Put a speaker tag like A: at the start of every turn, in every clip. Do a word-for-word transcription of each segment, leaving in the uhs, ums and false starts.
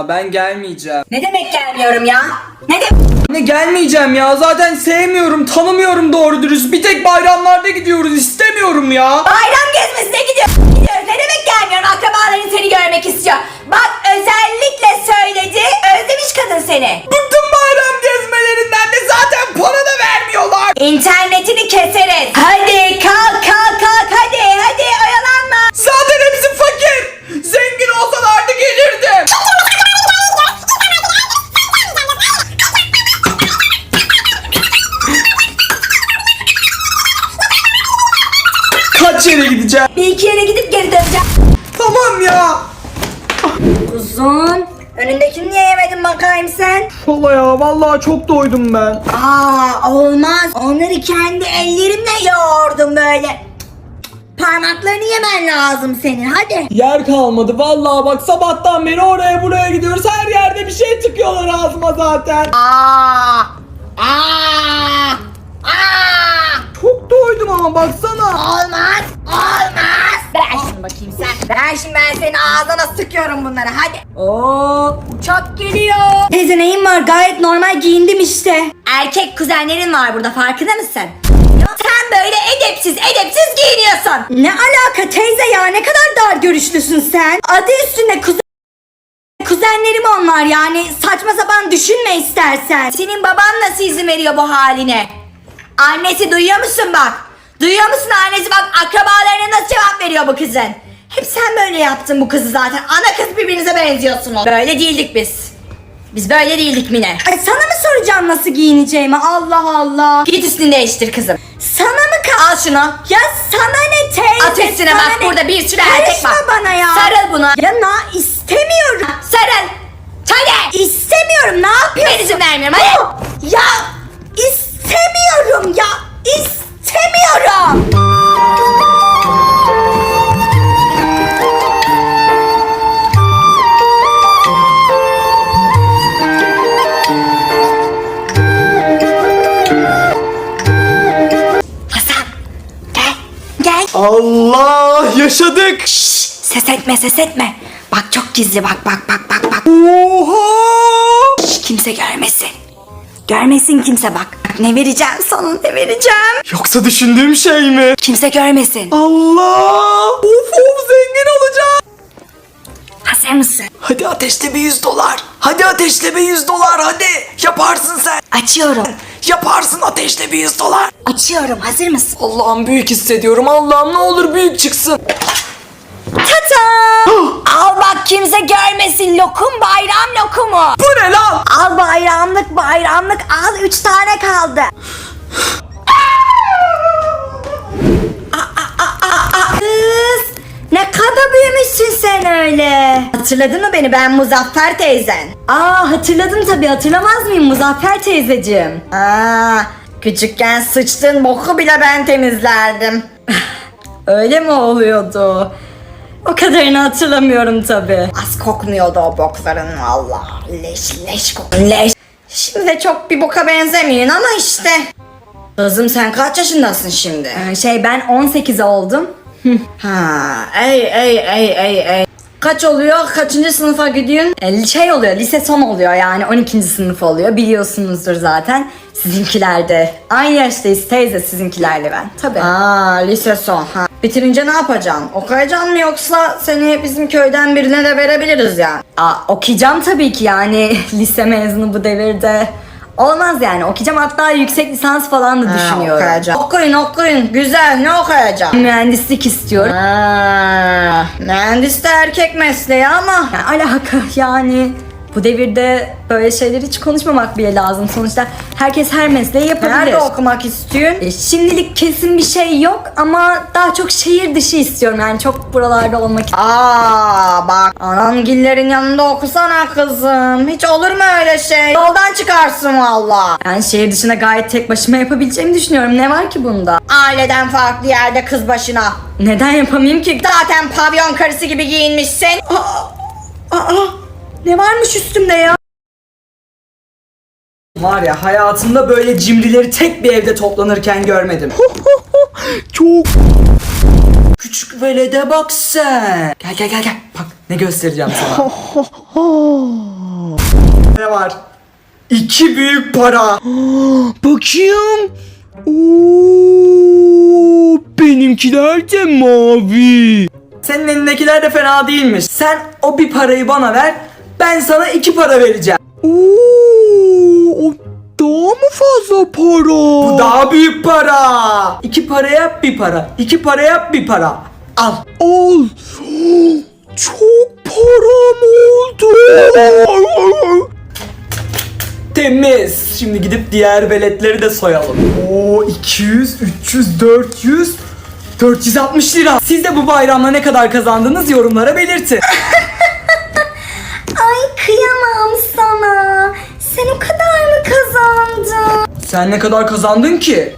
A: ya, ben gelmeyeceğim.
B: Ne demek gelmiyorum ya? Ne demek?
A: Ne gelmeyeceğim ya, zaten sevmiyorum, tanımıyorum doğru dürüst. Bir tek bayramlarda gidiyoruz, istemiyorum ya.
B: Bayram gezmesine gidiyoruz. gidiyoruz. Ne demek gelmiyorum? Akrabaların seni görmek istiyor. Bak özellikle söyledi. Özlemiş kadın seni.
A: Bıktım bayram gezmelerinden de, zaten para da vermiyorlar.
B: İnternetini keseriz. Hadi kalk kalk kalk hadi hadi oyalanma.
A: Zaten hepsi fakir. Zengin olsalardı gelirdim. Kaç yere gideceğim?
B: Bir iki yere gidip geri döneceğim.
A: Tamam ya.
B: Uzun. Önündekini niye yemedin bakayım sen?
A: Valla ya, vallahi çok doydum ben.
B: Aa olmaz. Onları kendi ellerimle yoğurdum böyle. Parmaklarını yemen lazım senin hadi.
A: Yer kalmadı vallahi, bak sabahtan beri oraya buraya gidiyoruz. Her yerde bir şey tıkıyorlar ağzıma zaten.
B: Aa! Aa! Aa!
A: Çok doydum ama baksana.
B: Olmaz! Olmaz! Ver şunu bakayım sen. Ver şimdi, ben senin ağzına sıkıyorum bunları hadi. Oo, uçak geliyor. Teyze neyin var? Gayet normal giyindim işte. Erkek kuzenlerin var burada, farkında mısın? Sen böyle edepsiz edepsiz giyiniyorsun. Ne alaka teyze ya, ne kadar dar görüşlüsün sen. Adı üstünde kuzen. Kuzenlerim onlar, yani saçma sapan düşünme istersen. Senin baban nasıl izin veriyor bu haline? Annesi duyuyor musun bak? Duyuyor musun annesi bak, akrabalarına nasıl cevap veriyor bu kızın? Hep sen böyle yaptın bu kızı zaten. Ana kız birbirinize benziyorsunuz. Böyle değildik biz. Biz böyle değildik Mine. Ay sana mı soracağım nasıl giyineceğimi? Allah Allah. Git üstünü değiştir kızım. Sana mı kal? Al şunu. Ya sana ne teyze? At üstüne bak ne? Burada bir sürü erkek var. Karışma bana ya. Sarıl buna. Ya na istemiyorum. Sarıl. Hadi. İstemiyorum, ne yapıyorsun? Ben izin vermiyorum hadi. Oh, ya istemiyorum ya. İstemiyorum.
A: Allah, yaşadık. Şşş.
B: Ses etme ses etme. Bak çok gizli, bak bak bak bak bak.
A: Oha.
B: Şş, kimse görmesin. Görmesin kimse bak. Ne vereceğim sana, ne vereceğim?
A: Yoksa düşündüğüm şey mi?
B: Kimse görmesin.
A: Allah. Of of, zengin olacağım.
B: Hazır mısın?
A: Hadi ateşle bir yüz dolar. Hadi ateşle bir yüz dolar hadi. Yaparsın sen.
B: Açıyorum.
A: Yaparsın, ateşle bir yüz dolar.
B: Açıyorum, hazır mısın?
A: Allah'ım büyük hissediyorum. Allah'ım ne olur büyük çıksın.
B: Tata! Al bak kimse görmesin, lokum, bayram lokumu.
A: Bu ne lan?
B: Al bayramlık bayramlık al, üç tane kaldı. Kız ne kadar büyümüşsün sen öyle. Hatırladın mı beni, ben Muzaffer teyzen. Aa hatırladım tabii, hatırlamaz mıyım Muzaffer teyzeciğim. Aa küçükken sıçtığın boku bile ben temizlerdim. Öyle mi oluyordu? O kadarını hatırlamıyorum tabii. Az kokmuyordu o bokların valla. Leş leş kok. Leş. Şimdi de çok bir boka benzemiyorsun ama işte. Kızım sen kaç yaşındasın şimdi? Ee, şey ben on sekiz oldum. Ha, ey ey ey ey ey. Kaç oluyor? Kaçıncı sınıfa gidiyorsun? E, şey oluyor, lise son oluyor yani on ikinci sınıf oluyor. Biliyorsunuzdur zaten. Sizinkilerde. Aynı yaştayız teyze sizinkilerle ben. Tabii. Aa lise son. Ha. Bitirince ne yapacaksın? Okuyacaksın mı yoksa seni bizim köyden birine de verebiliriz ya? Aa okuyacağım tabii ki yani lise mezunu bu devirde. Olmaz yani, okuyacağım, hatta yüksek lisans falan da düşünüyorum. Okuyacağım. Okuyun okuyun, güzel, ne okuyacağım? Mühendislik istiyorum. Ha, mühendis de erkek mesleği ama ya, alaka yani. Bu devirde böyle şeyleri hiç konuşmamak bile lazım. Sonuçta herkes her mesleği yapabilir. Nerede okumak istiyorsun? E, şimdilik kesin bir şey yok ama daha çok şehir dışı istiyorum. Yani çok buralarda olmak istiyorum. Aa bak, anamgillerin yanında okusana kızım. Hiç olur mu öyle şey? Yoldan çıkarsın valla. Yani şehir dışına gayet tek başıma yapabileceğimi düşünüyorum. Ne var ki bunda? Aileden farklı yerde kız başına. Neden yapamayayım ki? Zaten pavyon karısı gibi giyinmişsin. Aa, aa. Ne varmış üstümde ya?
A: Var ya, hayatımda böyle cimrileri tek bir evde toplanırken görmedim. Çok Küçük velede bak sen. Gel gel gel gel. Bak ne göstereceğim sana. Ne var? İki büyük para.
C: Bakayım. Oo, benimkiler de mavi.
A: Senin elindekiler de fena değilmiş. Sen o bir parayı bana ver. Ben sana iki para vereceğim.
C: Oo, o daha mı fazla para?
A: Bu daha büyük para. İki para yap bir para. İki para yap bir para. Al.
C: Al. Çok param oldu.
A: Temiz. Şimdi gidip diğer veletleri de soyalım. Oo iki yüz, üç yüz, dört yüz, dört yüz altmış lira. Siz de bu bayramda ne kadar kazandınız yorumlara belirtin.
B: Ay kıyamam sana. Sen o kadar mı kazandın?
A: Sen ne kadar kazandın ki?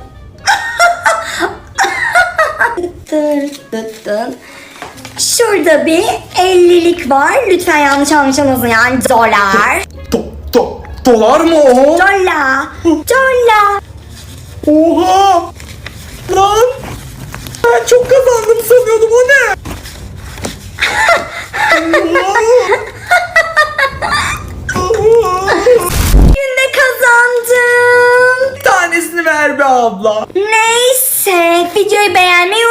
B: Dır dır dır. Şurada bir ellilik var. Lütfen yanlış anlaşılmasın yani dolar.
A: Do, do, dolar mı o?
B: Dolar. Dolar.
A: Oha! Lan! Ben çok kazandım sanıyordum, o ne?
B: Günde kazandım.
A: Bir tanesini ver be abla.
B: Neyse videoyu beğenmeyi